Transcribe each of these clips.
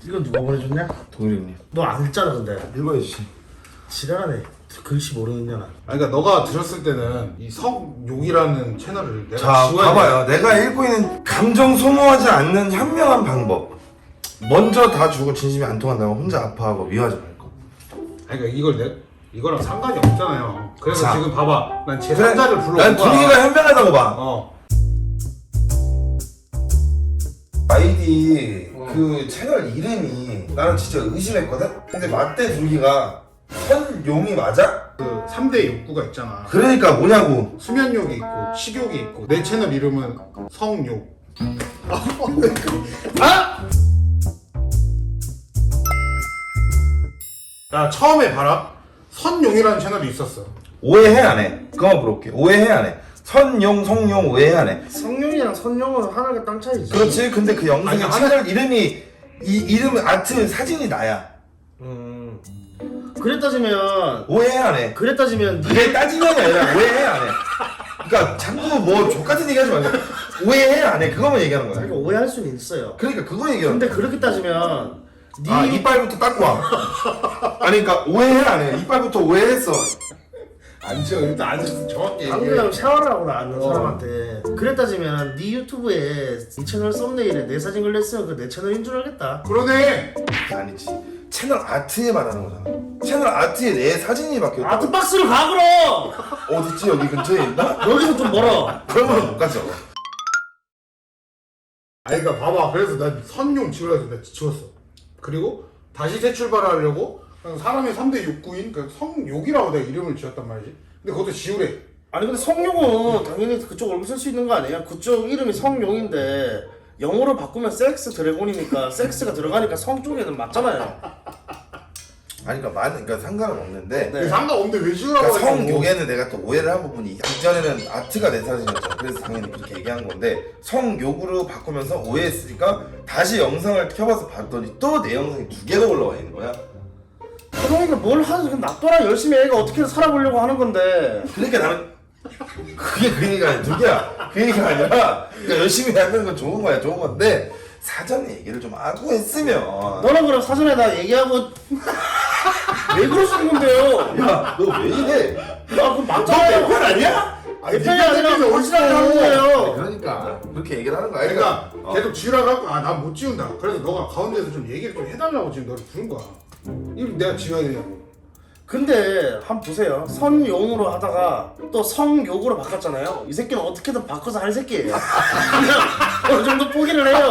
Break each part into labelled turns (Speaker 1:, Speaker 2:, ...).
Speaker 1: 이건 누가 보내줬냐?
Speaker 2: 동일이 형님.
Speaker 1: 너 안 읽잖아 근데.
Speaker 2: 읽어야지.
Speaker 1: 지랄하네. 글씨 모르는 년아.
Speaker 3: 아니 그러니까 너가 들었을 때는 이 성욕이라는 채널을 내가
Speaker 2: 자,
Speaker 3: 지워야
Speaker 2: 봐봐요. 내가 읽고 있는 감정 소모하지 않는 현명한 방법. 먼저 다 주고 진심이 안 통한다면 혼자 아파하고 미워하지 말고.
Speaker 3: 아니 그러니까 이걸 이거랑 상관이 없잖아요. 그래서
Speaker 2: 자.
Speaker 3: 지금 봐봐. 난
Speaker 2: 그래,
Speaker 3: 제3자를 불러온
Speaker 2: 난
Speaker 3: 거야.
Speaker 2: 분위기가 현명하다고 봐. 아이디 그 채널 이름이 나는 진짜 의심했거든? 근데 맞대 둘기가 선용이 맞아?
Speaker 3: 그 3대 욕구가 있잖아.
Speaker 2: 그러니까 뭐냐고.
Speaker 3: 수면욕이 있고 식욕이 있고 내 채널 이름은 성욕. 나 처음에 봐라. 선용이라는 채널이 있었어.
Speaker 2: 오해해 안 해? 그거만 물어볼게. 오해해 안 해? 선용, 성용 오해해 안 해?
Speaker 1: 성룡이랑 선룡은 하늘과 땅 차이지.
Speaker 2: 그렇지. 근데 그 영상의
Speaker 3: 아니,
Speaker 2: 채널 이름이 이름 아트 사진이 나야.
Speaker 1: 그래 따지면
Speaker 2: 오해해 안 해?
Speaker 1: 그래 따지면
Speaker 2: 그게 따지면이 아니라 오해해 안 해? 그러니까 자꾸 뭐 족같은 얘기 하지 말고 오해해 안 해? 그거만 얘기하는 거야.
Speaker 1: 그러니까 오해할 수는 있어요.
Speaker 2: 그러니까 그거 얘기하는
Speaker 1: 근데
Speaker 2: 거야.
Speaker 1: 그렇게 따지면
Speaker 2: 아 이빨부터 닦고 와. 아니 그러니까 오해해 안 해? 이빨부터 오해했어.
Speaker 3: 안 지워. 일단 안 지워. 정확히
Speaker 1: 방금 샤워를 하고 나왔는 사람한테 그래 따지면 네 유튜브에 이 채널 썸네일에 내 사진 걸렸으면 그 내 채널인 줄 알겠다.
Speaker 3: 그러네.
Speaker 2: 아니지. 채널 아트에 말하는 거잖아. 채널 아트에 내 사진이 박혀있다.
Speaker 1: 아트박스를 가 그럼!
Speaker 2: 어딨지? 여기 근처에 있나?
Speaker 1: 여기서 좀 멀어.
Speaker 2: 그러면 못 가죠.
Speaker 3: 아니 그러니까 봐봐. 그래서 난 선용 지우라 해서 내가 지웠어. 그리고 다시 재출발하려고 그냥 사람의 3대 욕구인 그 성욕이라고 내가 이름을 지었단 말이지. 근데 그것도 지우래.
Speaker 1: 아니 근데 성룡은 당연히 그쪽 얼굴 쓸 수 있는 거 아니에요? 그쪽 이름이 성룡인데 영어로 바꾸면 섹스 드래곤이니까 섹스가 들어가니까 성 쪽에는 맞잖아요.
Speaker 2: 아니 그러니까 상관은 없는데
Speaker 1: 네.
Speaker 3: 상관없는데 왜 지우라고
Speaker 2: 그러니까
Speaker 3: 하냐고.
Speaker 2: 성욕에는 내가 또 오해를 한 부분이 이전에는 아트가 내 사진이었잖아. 그래서 당연히 그렇게 얘기한 건데 성욕으로 바꾸면서 오해했으니까 다시 영상을 켜봐서 봤더니 또 내 영상이 2개가 올라와 있는 거야.
Speaker 1: 그러니까 뭘 하지? 놔둬라. 열심히 애가 어떻게든 살아보려고 하는 건데.
Speaker 2: 그러니까 나는 그게 그 얘기가 아니야. 두개야. 그 얘기가 아니라 그러니까 열심히 하는 건 좋은 거야. 좋은 건데 사전에 얘기를 좀 하고 했으면
Speaker 1: 너는 그럼 사전에 다 얘기하고 왜 그러시는 건데요?
Speaker 2: 야 너 왜 이래?
Speaker 1: 야 그럼 맞잖아요.
Speaker 2: 편 아니야?
Speaker 1: 내 편이 아니라 확실하게 하는 거예요.
Speaker 2: 그러니까 그렇게 얘기를 하는 거야.
Speaker 3: 그러니까 계속 지우라고 하고 난 못 지운다. 그래서 너가 가운데서 좀 얘기를 좀 해달라고 지금 너를 부른 거야. 이거 내가 지워야 되냐고.
Speaker 1: 근데 한번 보세요. 선용으로 하다가 또 성욕으로 바꿨잖아요. 이 새끼는 어떻게든 바꿔서 할 새끼예요. 그냥 어느 정도 포기를 해요.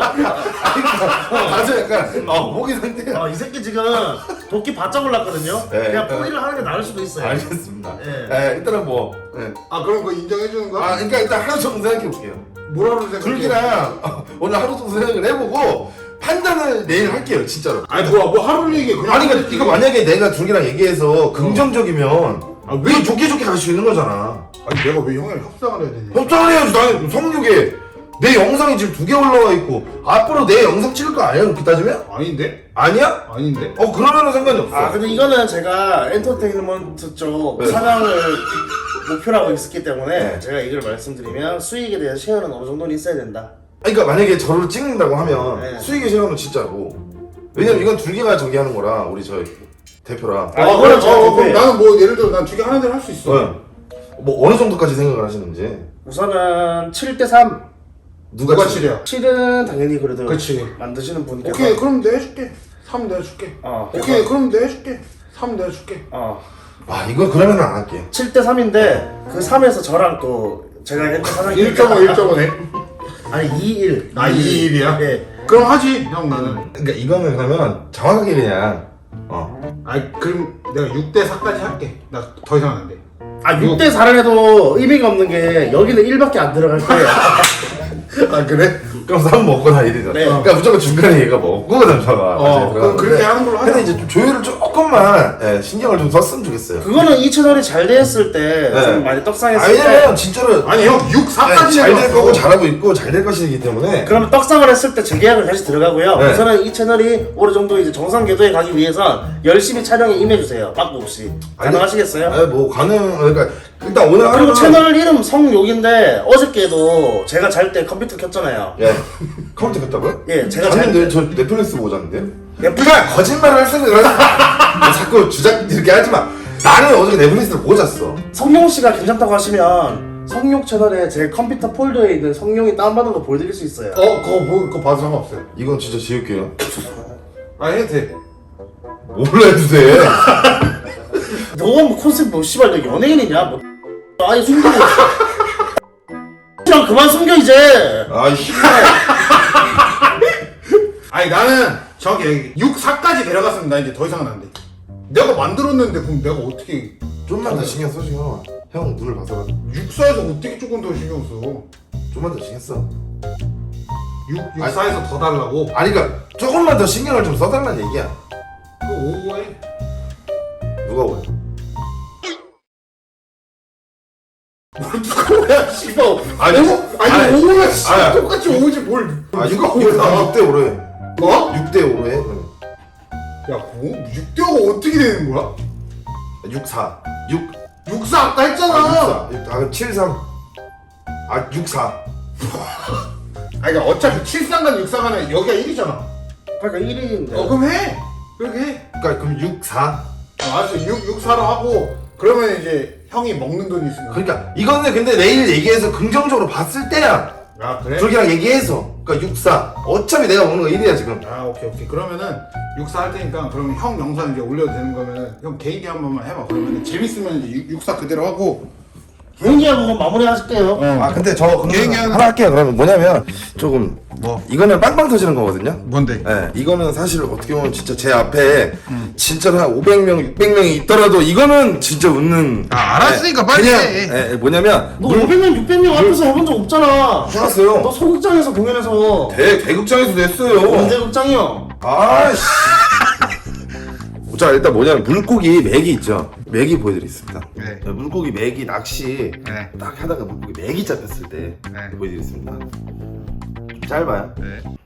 Speaker 2: 아주 약간 목이 상태가
Speaker 1: 이 새끼 지금 도끼 바짝 올랐거든요.
Speaker 2: 네.
Speaker 1: 그냥 포기를 하는 게 나을 수도 있어요.
Speaker 2: 알겠습니다.
Speaker 1: 네.
Speaker 2: 일단은 뭐
Speaker 3: 아 그럼 그거 인정해 주는 거야?
Speaker 2: 그러니까 일단 하루 정도 생각해 볼게요.
Speaker 3: 뭐라고 생각해?
Speaker 2: 둘기랑 오늘 하루 정도 생각을 해보고 판단을 내일 할게요, 진짜로.
Speaker 3: 아니 뭐 하루 얘기 그냥.
Speaker 2: 아니 그러니까 이거 만약에 내가 둘기랑 얘기해서 긍정적이면
Speaker 3: 왜?
Speaker 2: 왜 좋게 갈 수 있는 거잖아.
Speaker 3: 아니 내가 왜 형이랑 협상을 해야 되냐?
Speaker 2: 협상을 해야지. 나는 성욕에 내 영상이 지금 2개 올라와 있고 앞으로 내 영상 찍을 거 아니야? 그렇게 따지면?
Speaker 3: 아닌데?
Speaker 2: 아니야?
Speaker 3: 아닌데?
Speaker 2: 그러면은 상관이 없어.
Speaker 1: 근데 이거는 제가 엔터테인먼트 쪽
Speaker 2: 네.
Speaker 1: 사장을 목표로 하고 있었기 때문에
Speaker 2: 네.
Speaker 1: 제가 이걸 말씀드리면 수익에 대한 쉐어는 어느 정도는 있어야 된다.
Speaker 2: 그러니까 만약에 저를 찍는다고 하면
Speaker 1: 네.
Speaker 2: 수익의 시간은 진짜고. 왜냐면 이건 둘기가 저기 하는 거라 우리 저 대표라.
Speaker 1: 이거는 제가
Speaker 3: 그럼
Speaker 1: 대표예요.
Speaker 3: 나는 뭐 예를 들어 난 두 개 하는 대로 할 수 있어.
Speaker 2: 네. 뭐 어느 정도까지 생각을 하시는지.
Speaker 1: 우선은 7대3.
Speaker 3: 누가 칠이야?
Speaker 1: 7은 당연히 그래도
Speaker 3: 그치.
Speaker 1: 만드시는 분께서
Speaker 3: 오케이 그럼 내가 해줄게. 3 내가 줄게. 오케이 그럼 내가 해줄게. 3 내가 줄게.
Speaker 2: 와 이거 그러면 안 할게.
Speaker 1: 7대3인데 그 3에서 저랑 또 제가 엔터 사장님
Speaker 3: 1.5네.
Speaker 1: 아니 2-1
Speaker 3: 아 2-1이야?
Speaker 1: 네.
Speaker 3: 그럼 하지 형 나는.
Speaker 2: 그러니까 이거는 그러면 정확하게 그냥
Speaker 3: 아니 그럼 내가 6대4까지 할게. 나 더 이상은 안 돼.
Speaker 1: 6대4를 해도 의미가 없는 게 여기는 1밖에 안 들어갈 거예요.
Speaker 2: 아 그래? 그럼 3 먹고 다니잖아.
Speaker 1: 네.
Speaker 2: 그러니까 무조건 중간에 얘가 먹고 잠차가.
Speaker 3: 그럼 그렇게 하는 걸로 하자.
Speaker 2: 근데 이제 좀 조율을 조금만 신경을 좀 썼으면 좋겠어요.
Speaker 1: 그거는 이 채널이 잘 됐을 때 좀
Speaker 2: 네.
Speaker 1: 많이 떡상했을 때
Speaker 2: 왜냐면 진짜로
Speaker 3: 아니 형 6-4까지
Speaker 2: 잘 될 거고 잘하고 있고 잘 될 것이기 때문에.
Speaker 1: 그러면 떡상을 했을 때 재계약을 다시 들어가고요.
Speaker 2: 네.
Speaker 1: 우선은 이 채널이 어느 정도 이제 정상 궤도에 가기 위해선 열심히 촬영에 임해주세요. 빠꾸 없이. 가능하시겠어요?
Speaker 2: 뭐 그러니까 일단 오늘
Speaker 1: 그리고
Speaker 2: 하루는
Speaker 1: 채널 이름 성욕인데 어저께도 제가 잘 때 컴퓨터 켰잖아요.
Speaker 2: 예 컴퓨터 켰다고요?
Speaker 1: 예, 제가 잘
Speaker 2: 잤는데 저 넷플릭스 보고 잤는데요? 네가 거짓말을 할 생각을 하지 마. 자꾸 주작 이렇게 하지 마. 나는 어저께 네블리스트를 보고 잤어.
Speaker 1: 성룡 씨가 괜찮다고 하시면 성룡 채널에 제 컴퓨터 폴더에 있는 성룡이 다운받은 거 보여드릴 수 있어요.
Speaker 3: 그거 봐도 상관없어요.
Speaker 2: 이건 진짜 지울게요.
Speaker 3: 아 해도 돼.
Speaker 2: 몰라 해도 돼.
Speaker 1: 너가 뭐 컨셉 뭐 씨발 너 연예인이냐? 뭐 아예 숨기고 랑 그만 숨겨 이제.
Speaker 2: 아이씨.
Speaker 3: 아니 나는 저기 6, 4까지 내려갔으면 나 이제 더 이상은 안 돼. 내가 만들었는데 그럼 내가 어떻게
Speaker 2: 좀만 더 신경 써 지금. 형 눈을 봐서
Speaker 3: 6사에서 어떻게 조금 더 신경 써?
Speaker 2: 좀만 더 신경 써.
Speaker 3: 6사에서 더 달라고?
Speaker 2: 아니 그러니까 조금만 더 신경을 좀 써달라는 얘기야.
Speaker 3: 그거 5해.
Speaker 2: 누가 오해?
Speaker 3: 누가 오야 씨발.
Speaker 2: 아니,
Speaker 3: 아니 5야 씨
Speaker 2: 아니.
Speaker 3: 똑같이 5지 뭘
Speaker 2: 아
Speaker 3: 누가
Speaker 2: 6대 5로 해.
Speaker 3: 뭐?
Speaker 2: 6대 5로 해. 그러면.
Speaker 3: 야 뭐? 6대5가 어떻게 되는 거야?
Speaker 2: 6 4 6
Speaker 3: 6사 아까 했잖아.
Speaker 2: 아 6 4 그럼 7 3 아 6 4
Speaker 3: 아니 그러니까 어차피 7상간 6상간은 여기가 1이잖아.
Speaker 1: 그러니까 1위인데.
Speaker 3: 그럼 해. 그렇게 해.
Speaker 2: 그러니까 그럼 6 4
Speaker 3: 알았어. 6사로 하고 그러면 이제 형이 먹는 돈이 있으니까.
Speaker 2: 그러니까 이거는 근데 내일 얘기해서 긍정적으로 봤을 때야.
Speaker 3: 아 그래?
Speaker 2: 저기랑 얘기해서 그러니까 6 4 어차피 내가 먹는 거 1이야 지금.
Speaker 3: 아 오케이 그러면은 6사 할 테니까 그러면 형 영상 이제 올려도 되는 거면은 형 개인기 한 번만 해봐. 그러면 재밌으면 이제 6사 그대로 하고.
Speaker 1: 개인기하고 마무리 하실게요.
Speaker 2: 아 근데 저
Speaker 3: 개인기
Speaker 2: 하나 할게요. 그러면 뭐냐면 조금
Speaker 3: 뭐?
Speaker 2: 이거는 빵빵 터지는 거거든요.
Speaker 3: 뭔데?
Speaker 2: 네, 이거는 사실 어떻게 보면 진짜 제 앞에 진짜로 한 500명, 600명이 있더라도 이거는 진짜 웃는.
Speaker 3: 아, 알았으니까
Speaker 2: 네,
Speaker 3: 빨리
Speaker 2: 그냥
Speaker 3: 해.
Speaker 2: 뭐냐면
Speaker 1: 너 500명 600명 앞에서 해본 적 없잖아.
Speaker 2: 해봤어요.
Speaker 1: 너 소극장에서 공연해서.
Speaker 2: 대극장에서도 했어요.
Speaker 1: 언제 극장이요?
Speaker 2: 아씨. 자 일단 뭐냐면 물고기 맥이 있죠. 맥이 보여드리겠습니다.
Speaker 3: 네.
Speaker 2: 물고기 맥이 낚시
Speaker 3: 네.
Speaker 2: 딱 하다가 물고기 맥이 잡혔을 때
Speaker 3: 네.
Speaker 2: 보여드리겠습니다. 좀 짧아요.
Speaker 3: 네.